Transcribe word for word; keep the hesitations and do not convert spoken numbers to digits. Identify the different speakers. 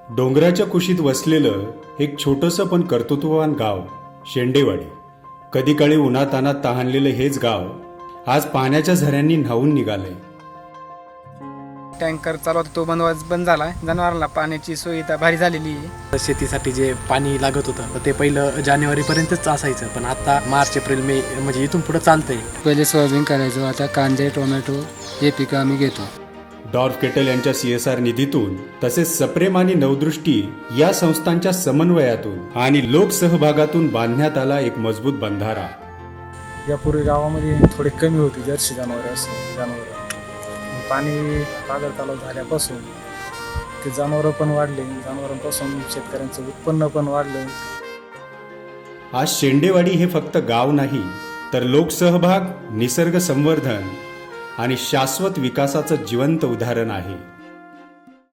Speaker 1: डोंगराच्या कुशीत वसलेलं एक छोटंसं पण कर्तृत्ववान गाव शेंडेवाडी. कधी काळी उन्हातानात तहानलेलं हेच गाव आज पाण्याच्या झऱ्यांनी न्हावून निघालंय.
Speaker 2: टँकर चालू होता तो बंद बंद झाला. जनावरांना पाण्याची सुविधा भारी झालेली आहे.
Speaker 3: शेतीसाठी जे पाणी लागत होतं तर ते पहिलं जानेवारीपर्यंतच असायचं, पण आता मार्च एप्रिल मे म्हणजे इथून पुढे चालतंय.
Speaker 2: पहिले सोयाबीन करायचो, आता कांदे टोमॅटो हे पिकं आम्ही घेतो.
Speaker 1: डॉर्फ केटल यांच्या सी एस आर निधीतून तसेच सप्रेम आणि नवदृष्टी या संस्थांच्या समन्वयातून आणि लोकसहभागातून बांधण्यात आला एक मजबूत बंधारा.
Speaker 4: यापूर्वी गावामध्ये थोडे कमी होती जर्सी जनावरे असं जनावरं पाणी पागल तलाव झाल्यापासून ते जनावरं पण वाढले, जनावरांपासून शेतकऱ्यांचं उत्पन्न पण वाढलं.
Speaker 1: आज शेंडेवाडी हे फक्त गाव नाही तर लोकसहभाग, निसर्ग संवर्धन आणि शाश्वत विकासाचं जिवंत उदाहरण आहे.